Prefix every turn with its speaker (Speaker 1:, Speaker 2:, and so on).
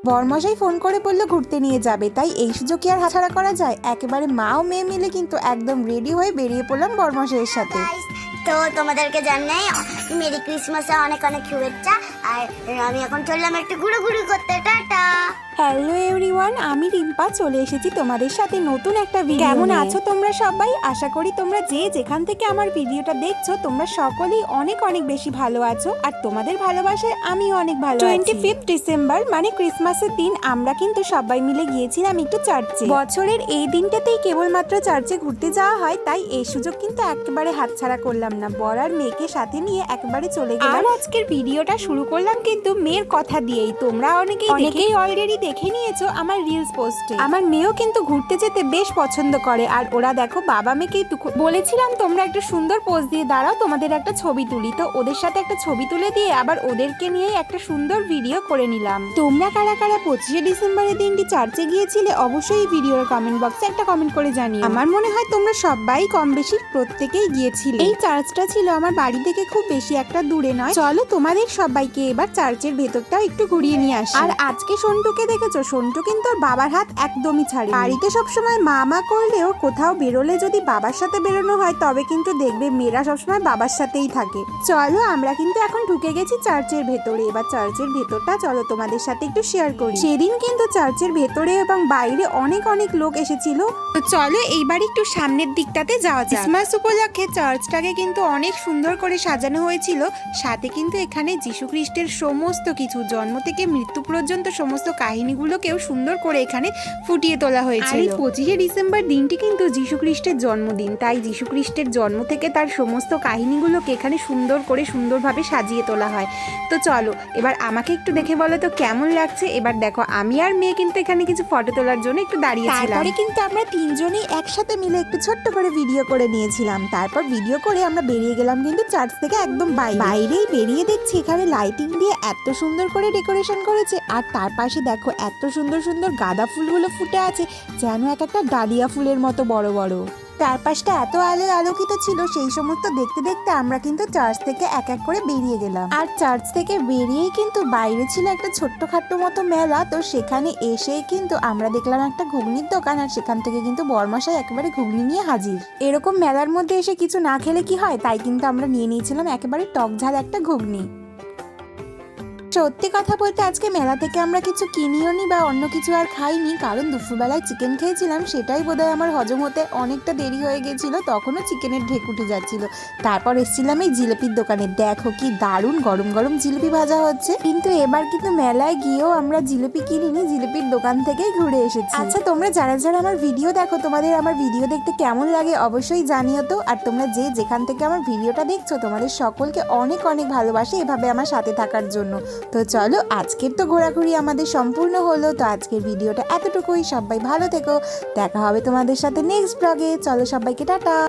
Speaker 1: বরমশাই phone করে বললো ঘুরতে নিয়ে যাবে, তাই এই সুযোগ কি আর হাতছাড়া করা যায়। একেবারে মা ও মেয়ে মিলে কিন্তু একদম রেডি হয়ে বেরিয়ে পড়লাম বরমশাইয়ের সাথে।
Speaker 2: তো তোমাদেরকে জানাই মেরি ক্রিসমাসে অনেক অনেক শুভেচ্ছা। আর আমি এখন চললাম একটু ঘুরোঘুরি করতে। টাটা।
Speaker 1: হ্যালো এভরিওয়ান, আমি রিম্পা চলে এসেছি তোমাদের সাথে নতুন একটা ভিডিও। কেমন আছো তোমরা সবাই? আশা করি তোমরা যে যেখান থেকে আমার ভিডিওটা দেখছো তোমরা সকলেই অনেক অনেক বেশি ভালো আছো, আর তোমাদের ভালোবাসায় আমিও অনেক ভালো আছি। 25 ডিসেম্বর মানে ক্রিসমাসের দিন আমরা কিন্তু সবাই মিলে গিয়েছিলাম একটু চার্চে। বছরের এই দিনটাতেই কেবলমাত্র চার্চে ঘুরতে যাওয়া হয়, তাই এই সুযোগ কিন্তু একেবারে হাতছাড়া করলাম না। বর আর মেয়েকে সাথে নিয়ে একেবারে চলে গেলাম। আর আজকের ভিডিওটা শুরু করলাম কিন্তু মেয়ের কথা দিয়েই। তোমরা অনেকেই অলরেডি দেখে নিয়েছো আমার রিলস পোস্টে। আমার মেয়েও কিন্তু ঘুরতে যেতে বেশ পছন্দ করে, আর ওরা দেখো বাবা মেয়েকে বলেছিলাম তোমরা একটু সুন্দর পোজ দিয়ে দাঁড়াও, তোমাদের একটা ছবি তুলি। তো ওদের সাথে একটা ছবি তুলে দিয়ে আবার ওদেরকে নিয়ে একটা সুন্দর ভিডিও করে নিলাম। তোমরা কারা কারা 25 ডিসেম্বরের দিনটি চার্চে গিয়েছিলে অবশ্যই ভিডিওর কমেন্ট বক্সে একটা কমেন্ট করে জানিও। আমার মনে হয় তোমরা সবাই কম বেশি প্রত্যেকেই গিয়েছিলে। এই চার্চটা ছিল আমার বাড়ি থেকে খুব বেশি একটা দূরে নয়। চলো তোমাদের সবাইকে এবার চার্চের ভেতরটাও একটু ঘুরিয়ে নিয়ে আসি। আর আজকে সন্টুকে দেখেছো, সন্টু কিন্তু ওর বাবার হাত একদমই ছাড়ে। বাড়িতে সবসময় মা করলেও কোথাও বেরোলে যদি বাবার সাথে বেরোনো হয় তবে কিন্তু দেখবে মেয়েরা সবসময় বাবার সাথেই থাকে। চলো আমরা কিন্তু এখন ঢুকে গেছি চার্চের ভেতরে। এবার চার্চের ভেতরটা চলো তোমাদের সাথে একটু শেয়ার করি। সেদিন কিন্তু চার্চের ভেতরে এবং বাইরে অনেক অনেক লোক এসেছিল। তো চলো এইবার একটু সামনের দিকটাতে যাওয়া যাক। ক্রিসমাস উপলক্ষে চার্চটাকে কিন্তু অনেক সুন্দর করে সাজানো হয়েছিল। সাথে কিন্তু এখানে যীশু খ্রিস্টের সমস্ত কিছু জন্ম থেকে মৃত্যু পর্যন্ত সমস্ত কাহিনীগুলোকেও সুন্দর করে এখানে ফুটিয়ে তোলা হয়েছিল। আর এই 25 ডিসেম্বর দিনটি কিন্তু যীশু খ্রিস্টের জন্মদিন, তাই যীশু খ্রিস্টের জন্ম থেকে তার সমস্ত কাহিনীগুলোকে এখানে সুন্দরভাবে সাজিয়ে তোলা হয়। তো চলো এবার আমাকে একটু দেখে বলো তো কেমন লাগছে। এবার দেখো আমি আর মেয়ে কিন্তু এখানে কিছু ফটো তোলার জন্য একটু দাঁড়িয়েছিলাম। তারপরে কিন্তু আমরা তিনজনেই একসাথে মিলে একটু ছোট্ট করে ভিডিও করে নিয়েছিলাম। তারপর ভিডিও করে আমরা বেরিয়ে গেলাম কিন্তু চার্চ থেকে একদম বাইরেই বেরিয়ে দেখছি এখানে লাইটিং দিয়ে এত সুন্দর করে ডেকোরেশন করেছে। আর তার পাশে দেখো এত সুন্দর সুন্দর গাঁদা ফুলগুলো ফুটে আছে, যেন এক একটা ডালিয়া ফুলের মতো বড় বড়। চারপাশটা এত আলোয় আলোকিত ছিল, সেই সমস্ত দেখতে দেখতে আমরা কিন্তু চার্চ থেকে এক এক করে বেরিয়ে গেলাম। আর চার্চ থেকে বেরিয়েই কিন্তু বাইরে ছিল একটা ছোট্টখাট্ট মতো মেলা। তো সেখানে এসেই কিন্তু আমরা দেখলাম একটা ঘুগনির দোকান, আর সেখান থেকে কিন্তু বরমশাই একেবারে ঘুগনি নিয়ে হাজির। এরকম মেলার মধ্যে এসে কিছু না খেলে কি হয়, তাই কিন্তু আমরা নিয়ে নিয়েছিলাম একেবারে টক ঝাল একটা ঘুগনি। সত্যি কথা বলতে আজকে মেলা থেকে আমরা কিছু কিনিও নি বা অন্য কিছু আর খাইনি, কারণ দুপুরবেলায় চিকেন খেয়েছিলাম, সেটাই বোধহয় আমার হজম হতে অনেকটা দেরি হয়ে গেছিল। তখনও চিকেনের ঢেক উঠে যাচ্ছিল। তারপর এসেছিলাম এই জিলিপির দোকানে। দেখো কি দারুণ গরম গরম জিলিপি ভাজা হচ্ছে। কিন্তু এবার কিন্তু মেলায় গিয়েও আমরা জিলিপি কিনিনি, জিলিপির দোকান থেকেই ঘুরে এসেছি। আচ্ছা তোমরা যারা যারা আমার ভিডিও দেখো, তোমাদের আমার ভিডিও দেখতে কেমন লাগে অবশ্যই জানিও তো। আর তোমরা যে যেখান থেকে আমার ভিডিওটা দেখছো তোমাদের সকলকে অনেক অনেক ভালোবাসে এভাবে আমার সাথে থাকার জন্য। তো চলো আজকের তো ঘোরাঘুরি আমাদের সম্পূর্ণ হলো। তো আজকের ভিডিওটা এতটুকুই। সবাই ভালো থেকো, দেখা হবে তোমাদের সাথে নেক্সট ব্লগে। চলো সবাইকে টাটা।